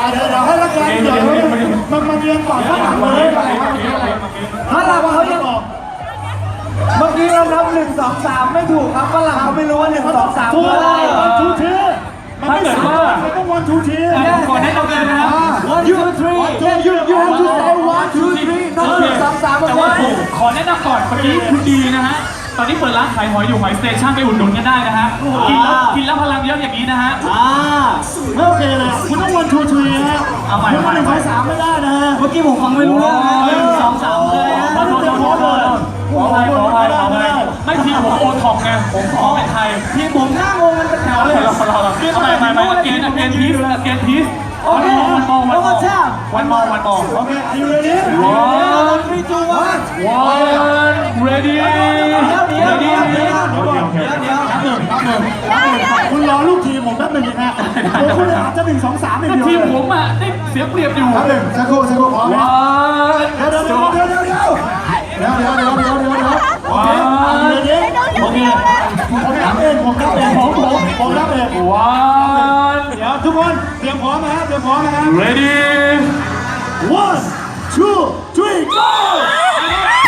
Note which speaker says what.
Speaker 1: เดี๋ยวให้รักแร้เดี๋ยวมันเรียนก่อนข้างหลังเลยถ้าเราเขาจะบอกเมื่อกี้เรานับ1 2 3ไม่ถูกครับฝรั่งเขาไม่รู้ว่า1 2 3คืออะไรทูทีมันไม่สามารถต้องวันทูที
Speaker 2: ก่อนให้เราเดินนะครับ
Speaker 1: 1 2 3 you have to say 1 2 3 not 1 2 3
Speaker 2: แต่ว่าผมขอแนะนำก่อนเมื่อกี้คุณดีนะฮะตอนนี้เปิดร้านขายหอยอยู่หอยสเตชันไปอุดหนุนกันได้นะฮะกินแล้วพลังเยอะอย่างนี้นะฮะ
Speaker 1: ไม่โอเคเลยคุณต้องวันทูทีฮะคุณมา1 2 3ไม่ได้นะฮะ
Speaker 3: เมื่อกี้ผมฟังไม่รู้เรื่องนะ1 2 3เลยนะ
Speaker 2: ขอไม่ทีผมโอท็อปไงผมขอเป็นไทย
Speaker 3: ทีผมหน้างงมันเป็นแถวเลย
Speaker 2: ไม่เกนพีซวันมอ
Speaker 1: โอเค are you ready
Speaker 2: ready
Speaker 1: คุณรอลูกทีมผมแป๊บนึงนะตัวคุณอาจจะ1 2 3ไม่เดียว
Speaker 2: ทีมผมอ่ะได้เสียเปรียบอยู่
Speaker 1: สักครู่ขอเดี๋ยวผมรับเองเดี๋ยวทุกคนเตรียมพร้อมนะเตรียมพร้อมนะ
Speaker 2: ready
Speaker 1: 1 2 3 go